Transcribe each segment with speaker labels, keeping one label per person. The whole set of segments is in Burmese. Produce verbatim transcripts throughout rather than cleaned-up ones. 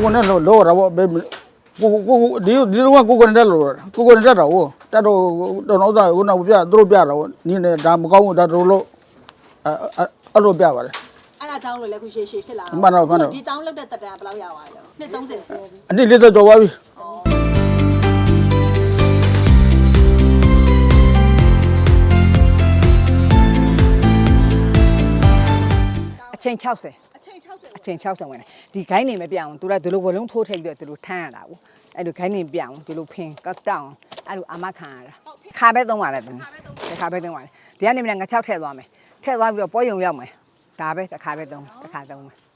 Speaker 1: ကိုနဲ့လောလောတာပေါ့ဘယ်ကိုကိုဒီဒီတော့ကိုကိုနဲ့တက်လို့ကိုကိုနဲ့တက်တာဟုတ်တက်တော့တော့တော့သားကိုနောက်ပြသူတို့ပြတာပေါ့နင်းနဲ့ဒါမကောင်းဘူးဒါတို့လို့အဲအဲ့လိုပြပါတယ်
Speaker 2: အဲ့ဒါကြောင့်လို့လည်းခုရှေ့ရှေ့ဖြစ်လာ
Speaker 1: မှန်တော့မှန်တော့
Speaker 2: ဒီတောင်းလောက်တဲ့တက်တန်ဘယ်လောက်ရပါလဲနှစ်သုံးဆယ်
Speaker 1: အနည်းလေးတော့ကြော်ပါပြီ
Speaker 3: အချိန်၆၀
Speaker 2: အချိန်၆၀
Speaker 3: အချိန်၆၀ဝင်တယ်ဒီဂိုင်းနေမပြအောင်သူကဒီလိုဝလုံးထိုးထည့်ပြီးတော့ဒီလိုထမ်းရတာကိုအဲ့လိုဂိုင်းနေပြအောင်ဒီလိုဖင်ကောက်တောင်းအဲ့လိုအမခံရတာခါပဲသုံးပါလေသူခါပဲသုံးပါလေဒီကနေမငါ၆ထည့်သွားမယ်ထည့်သွားပြီးတော့ပွဲရုံရောက်မယ်ဒါပဲတစ်ခါပဲသုံးတစ်ခါသုံးမယ်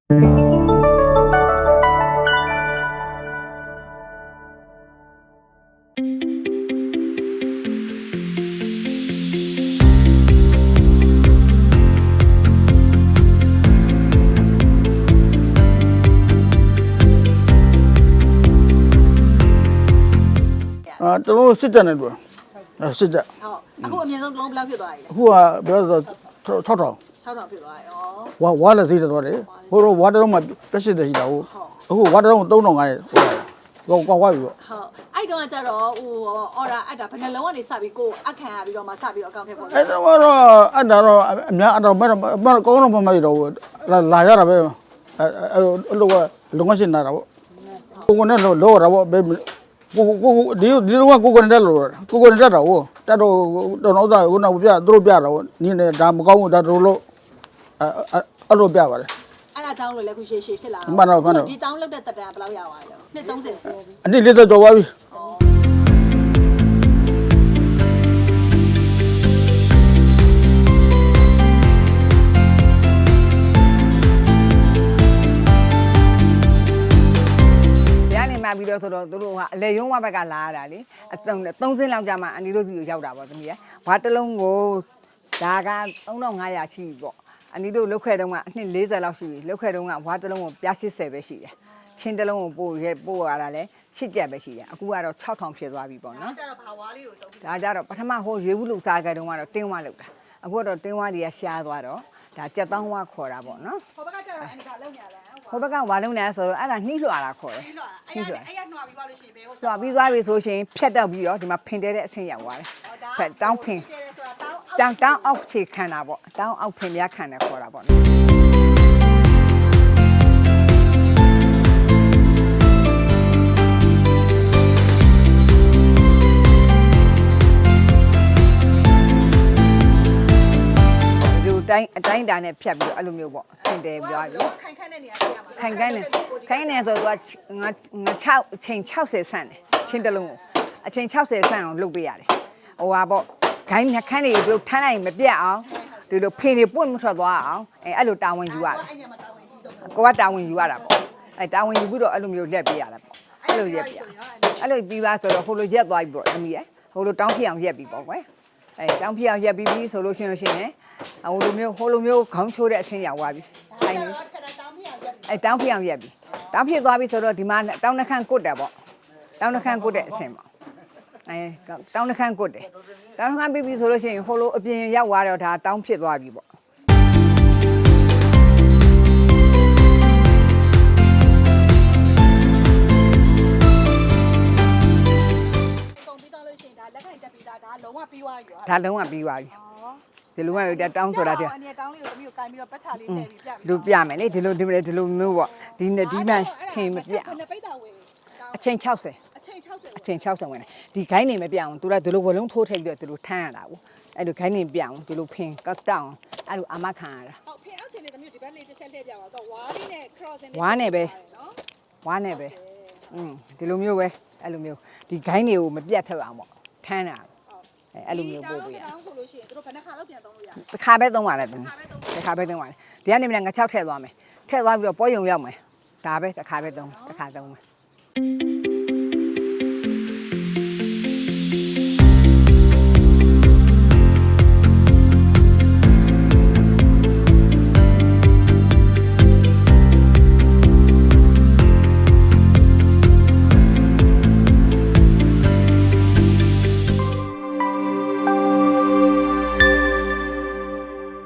Speaker 1: အာတလုံးစစ်တက်နေတွေ့စစ်တက်
Speaker 2: ဟုတ်အခုအမြင့်ဆုံးလုံးဘယ်လောက်ဖြစ်သွားပြီလဲ
Speaker 1: အခုကဘယ်လိုဆို၆ထောင်
Speaker 2: ၆ထောင်ဖြစ်သွားပြီဩ
Speaker 1: ဝါဝါလည်းစိတ်သွားတယ်ဟိုတော့ဝါတုံးမှာပြက်စစ်တယ်ရှိတာဟုတ်အခုဝါတုံးသုံးထောင်ငါးဟိုကောက်ဝါပြီပေါ့
Speaker 2: ဟုတ်အဲ့တုန်းကကြတော့ဟိုအော်ဒါအတာဘယ်နှလုံးကနေစပြီးကိုအခန့်ရပြီးတော့မှစပြီးတော့အကောင့်ထဲပေါ်
Speaker 1: အဲ့တော့တော့အဲ့ဒါတော့အများအဲ့တော့မမကောင်းတော့မမရတော့လာရတာပဲအဲ့အဲ့လိုကလုံငါရှင်းလာတာပေါ့ကိုကိုနဲ့လောလောတာပေါ့ဘယ်ကိုကိုဒီဒီတော့ကိုကိုနဲ့တက်လို့ကိုကိုနဲ့တက်တာဟုတ်တက်တော့တော့တော့သားကိုနောက်ပြသူတို့ပြတာပေါ့နင်းနဲ့ဒါမကောင်းဘူးဒါတို့လို့အဲအဲ့လိုပြပါတယ်
Speaker 2: အဲ့ဒါကြောင့်လို့လည်းခုရှေ့ရှေ့ဖြစ်လာ
Speaker 1: မှန်တော့မှန်တော့
Speaker 2: ဒီတောင်းလောက်တဲ့တက်တန်ဘယ်လောက်ရပါလဲနှစ်သုံးဆယ်
Speaker 1: အနည်းလေးတော့ကြော်ပါပြီ
Speaker 3: ပြီးတော့ဆိုတော့တို့တို့ကအလေရုံးဝဘက်ကလာရတာလေအသုံးသုံးစင်းလောက်ကြာမှအန်ဒီတို့စီကိုရောက်တာပေါ့သမီးရဝါတလုံးကိုဒါကသုံးထောင်ငါးရာရှိပြီပေါ့အန်ဒီတို့လောက်ခဲတုန်းကအနှစ်၄၀လောက်ရှိပြီလောက်ခဲတုန်းကဝါတလုံးကိုပြား၈၀ပဲရှိတယ်ချင်းတလုံးကိုပို့ရဲပို့ရတာလဲရှစ်ကျက်ပဲရှိတယ်အခုကတော့၆ထောင်ဖြစ်သွားပြီပေါ့နော်
Speaker 2: ဒါကြတော့ဘာဝါလေးကိုတုံး
Speaker 3: ဒါကြတော့ပထမဟိုရေဘူးလို့စားကြတုန်းကတော့တင်းဝါလောက်တာအခုကတော့တင်းဝါတွေကရှားသွားတော့ဒါကြက်တောင်းဝါခေါ်တာပေါ့နော်
Speaker 2: ဟိုဘက်ကကျတော့အဲ့ဒါလောက်ညာလဲ
Speaker 3: ဟိုဘက်ကဝါလုံးနေဆိုတော့အဲ့ဒါနှိလွှာတာခေါ်တယ်
Speaker 2: နှိလွှာအဲ့ဒါအဲ့ရနှွာပြီးပါလို့ရှိရင်ဘယ်ကို
Speaker 3: နှွာပြီးသွားပြီဆိုရှင်ဖြတ်တော့ပြီးတော့ဒီမှာဖင်တဲတဲ့အဆင့်ရောက်သွားတယ်ဖက်တောင်းဖင်တောင်းတောင်းအောက်ခြေခံတာပေါ့တောင်းအောက်ဖင်များခံတယ်ခေါ်တာပေါ့နော်တိုင်းအတိုင်းတာနဲ့ဖြတ်ပြီးတော့အဲ့လိုမျိုးပေါ့ဖင်တယ်ပြောရ
Speaker 2: ခိုင်ခန့်တဲ့နေရာပြရမှာ
Speaker 3: ခိုင်ခန့်နေခိုင်နေဆိုတော့ငါငါ၆အချိန်၆၀ဆန့်တယ်ချင်းတလုံးကိုအချိန်၆၀ဆန့်အောင်လုပ်ပေးရတယ်ဟိုဟာပေါ့ဂိုင်းနှခမ်းတွေတို့ထမ်းလိုက်မပြတ်အောင်ဒီလိုဖင်တွေပွင့်မထွက်သွားအောင်အဲအဲ့လိုတာဝန်ယူရတယ်ကိုကတာဝန်ယူရတာပေါ့အဲတာဝန်ယူပြီးတော့အဲ့လိုမျိုးလက်ပေးရတာပေါ့အဲ့လိုရက်ပြအဲ့လိုပြီးပါဆိုတော့ဟိုလိုရက်သွားပြီပေါ့သမီးရဟိုလိုတောင်းဖြစ်အောင်ရက်ပြီပေါ့ကွယ်အဲတောင်းဖြစ်အောင်ရက်ပြီးပြီဆိုလို့ရှိရင်ရှင်လည်းဟိုလိုမျိုးဟိုလိုမျိုးခေါင်းချိုးတဲ့အဆင်းရောက်သွားပြီအဲအဲတောင်းဖြစ်အောင်ရက်ပြီတောင်းဖြစ်သွားပြီဆိုတော့ဒီမှာတောင်းနှခမ်းကုတ်တယ်ပေါ့တောင်းနှခမ်းကုတ်တဲ့အဆင်းပေါ့အဲတောင်းနှခမ်းကုတ်တယ်တောင်းနှခမ်းပြီးပြီဆိုလို့ရှိရင်ဟိုလိုအပြင်ရောက်သွားတော့ဒါတောင်းဖြစ်သွားပြီပေါ့
Speaker 2: လက်ခိုင်တက်ပြီးသားဒါလုံးဝပြီးသွားပြီ
Speaker 3: ဒါလုံးဝပြီးသွားပြီဒီလိုမျိုးတောင်းဆိုတာတဲ့
Speaker 2: အနေတောင်းလေးကိုသမီးကိုကင်ပြီးတော့ပတ်ချလေးထည့်ပြီးပြမယ်
Speaker 3: လူပြမယ်လေဒီလိုဒီလိုဒီလိုမျိုးပေါ့ဒီနဲ့ဒီမှခင်မပြအချိန်၆၀
Speaker 2: အချိန်၆၀
Speaker 3: အချိန်၆၀ဝင်တယ်ဒီဂိုင်းနေမပြအောင်သူကဒီလိုဝလုံးထိုးထည့်ပြီးတော့ဒီလိုထမ်းရတာကိုအဲ့လိုဂိုင်းနေပြအောင်ဒီလိုဖင်ကောက်တောင်းအဲ့လိုအမခံရတာ
Speaker 2: ဟုတ်ဖင်အောက်ချိန်နေသမီးဒီဘက်လေးတစ်ချက်လှည့်ပြပါတော့ဝါးလေးနဲ့ cross နဲ့
Speaker 3: ဝါးနဲ့ပဲဝါးနဲ့ပဲอืมဒီလိုမျိုးပဲအဲ့လိုမျိုးဒီဂိုင်းတွေကိုမပြတ်ထက်အောင်ပေါ့ထမ်းတာအဲ့လိုမျိုးပို့ပေးရ
Speaker 2: တောင်းဆိုလို့ရှိရင်တို့ဘယ်နှခါလောက်ပြန်သုံးလို့ရ
Speaker 3: လဲတစ်ခါပဲသုံးပါလေတစ်ခါပဲသုံးပါလေဒီကနေမငါ၆ထည့်သွားမယ်ထည့်သွားပြီးတော့ပွဲရုံရောက်မယ်ဒါပဲတစ်ခါပဲသုံးတစ်ခါသုံးမယ်